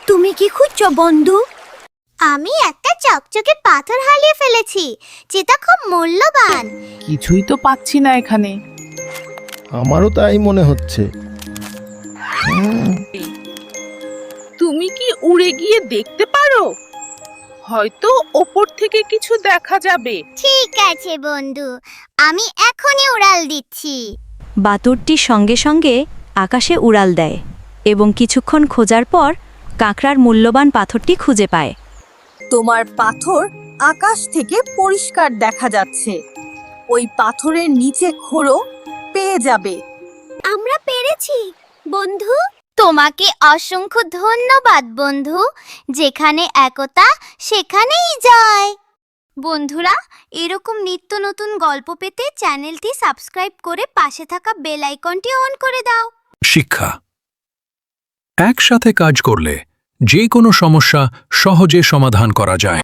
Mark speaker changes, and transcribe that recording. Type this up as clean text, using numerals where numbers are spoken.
Speaker 1: তুমি কি খুঁজছো বন্ধু?
Speaker 2: আমি একটা চকচকে পাথর হারিয়ে ফেলেছি, যেটা খুব মূল্যবান।
Speaker 3: কিছুই তো পাচ্ছি না এখানে।
Speaker 4: আমারও তাই মনে হচ্ছে।
Speaker 3: তুমি কি উড়ে গিয়ে দেখতে পারো? হয়তো ওপর থেকে কিছু দেখা যাবে।
Speaker 2: ঠিক আছে বন্ধু, আমি এখনই উড়াল দিচ্ছি।
Speaker 5: বাতুরটি সঙ্গে সঙ্গে আকাশে উড়াল দেয় এবং কিছুক্ষণ খোঁজার পর কাঁকড়ার মূল্যবান পাথরটি খুঁজে পায়।
Speaker 6: তোমার পাথর আকাশ থেকে পরিষ্কার দেখা যাচ্ছে। ওই পাথরের নিচে খোঁড়ো, পেয়ে যাবে।
Speaker 2: আমরা পেরেছি বন্ধু। তোমাকে অসংখ্য ধন্যবাদ বন্ধু। যেখানে একতা সেখানেই জয়। বন্ধুরা, এরকম নিত্য নতুন গল্প পেতে চ্যানেলটি সাবস্ক্রাইব করে পাশে থাকা বেল আইকনটি অন করে দাও।
Speaker 7: শিক্ষা। একসাথে কাজ করলে যে কোনো সমস্যা সহজে সমাধান করা যায়।